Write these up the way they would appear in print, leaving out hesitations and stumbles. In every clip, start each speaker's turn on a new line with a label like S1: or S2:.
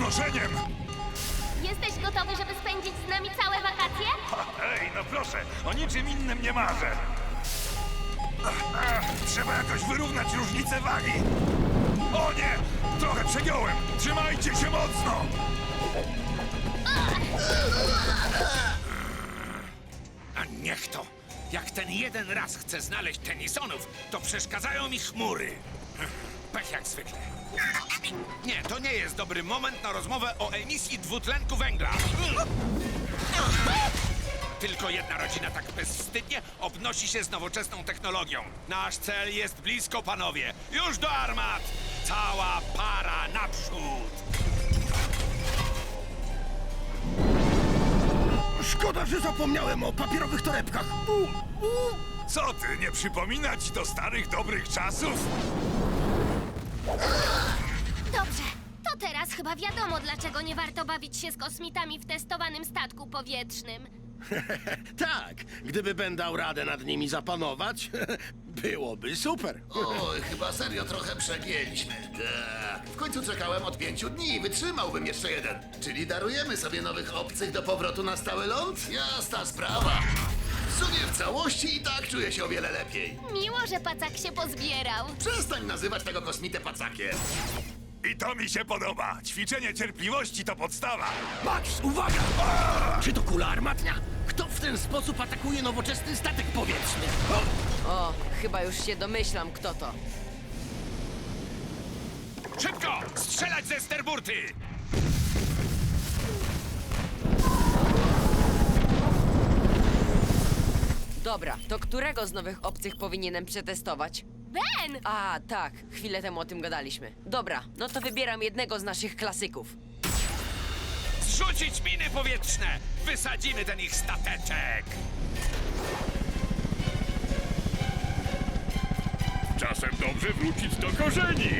S1: noszeniem!
S2: Jesteś gotowy, żeby spędzić z nami całe wakacje?
S1: Ej, no proszę, o niczym innym nie marzę. Trzeba jakoś wyrównać różnicę wagi. O nie! Trochę przegiąłem! Trzymajcie się mocno!
S3: A niech to! Jak ten jeden raz chce znaleźć tenisonów, to przeszkadzają mi chmury. Pech jak zwykle. Nie, to nie jest dobry moment na rozmowę o emisji dwutlenku węgla. Tylko jedna rodzina tak bezwstydnie obnosi się z nowoczesną technologią. Nasz cel jest blisko, panowie. Już do armat! Cała para naprzód!
S4: Szkoda, że zapomniałem o papierowych torebkach.
S1: Co ty, nie przypomina ci to starych, dobrych czasów?
S2: Dobrze, to teraz chyba wiadomo, dlaczego nie warto bawić się z kosmitami w testowanym statku powietrznym.
S4: Tak, gdyby Ben dał radę nad nimi zapanować, byłoby super.
S5: Oj, chyba serio trochę przegięliśmy. Tak. W końcu czekałem od 5 dni i wytrzymałbym jeszcze jeden. Czyli darujemy sobie nowych obcych do powrotu na stały ląd? Jasna sprawa. W sumie w całości i tak czuję się o wiele lepiej.
S2: Miło, że pacak się pozbierał.
S5: Przestań nazywać tego kosmitę pacakiem.
S1: I to mi się podoba. Ćwiczenie cierpliwości to podstawa.
S4: Max, uwaga! Czy to kula armatnia? Kto w ten sposób atakuje nowoczesny statek powietrzny?
S6: O, chyba już się domyślam, kto to.
S3: Szybko! Strzelać ze sterburty!
S6: Dobra, to którego z nowych obcych powinienem przetestować?
S2: Ben!
S6: A, tak, chwilę temu o tym gadaliśmy. Dobra, no to wybieram jednego z naszych klasyków.
S3: Zrzucić miny powietrzne! Wysadzimy ten ich stateczek!
S1: Czasem dobrze wrócić do korzeni.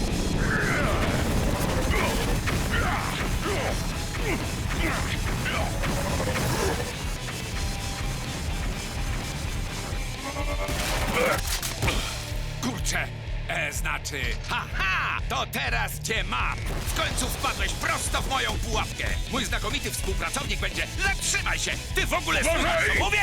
S3: Kurczę, znaczy... Haha! To teraz cię mam! W końcu wpadłeś prosto w moją pułapkę! Mój znakomity współpracownik będzie... Zatrzymaj się! Ty w ogóle słuchasz, co mówię?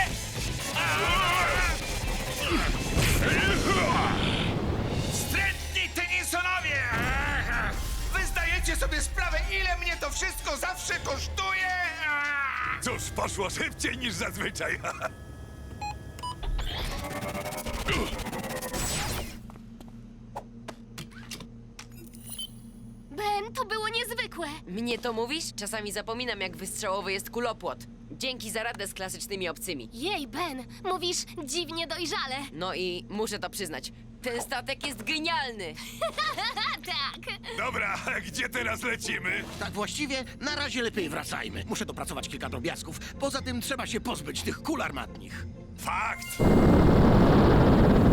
S3: Wstrętni tenisonowie! Wy zdajecie sobie sprawę, ile mnie to wszystko zawsze kosztuje?
S1: Cóż, poszło szybciej niż zazwyczaj.
S2: Ben, to było niezwykłe.
S6: Mnie to mówisz? Czasami zapominam, jak wystrzałowy jest kulopłot. Dzięki za radę z klasycznymi obcymi.
S2: Jej, Ben, mówisz dziwnie dojrzale.
S6: No i muszę to przyznać, ten statek jest genialny!
S2: Tak.
S1: Dobra, gdzie teraz lecimy?
S4: Tak właściwie, na razie lepiej wracajmy. Muszę dopracować kilka drobiazgów. Poza tym trzeba się pozbyć tych kul armatnich.
S1: Fakt!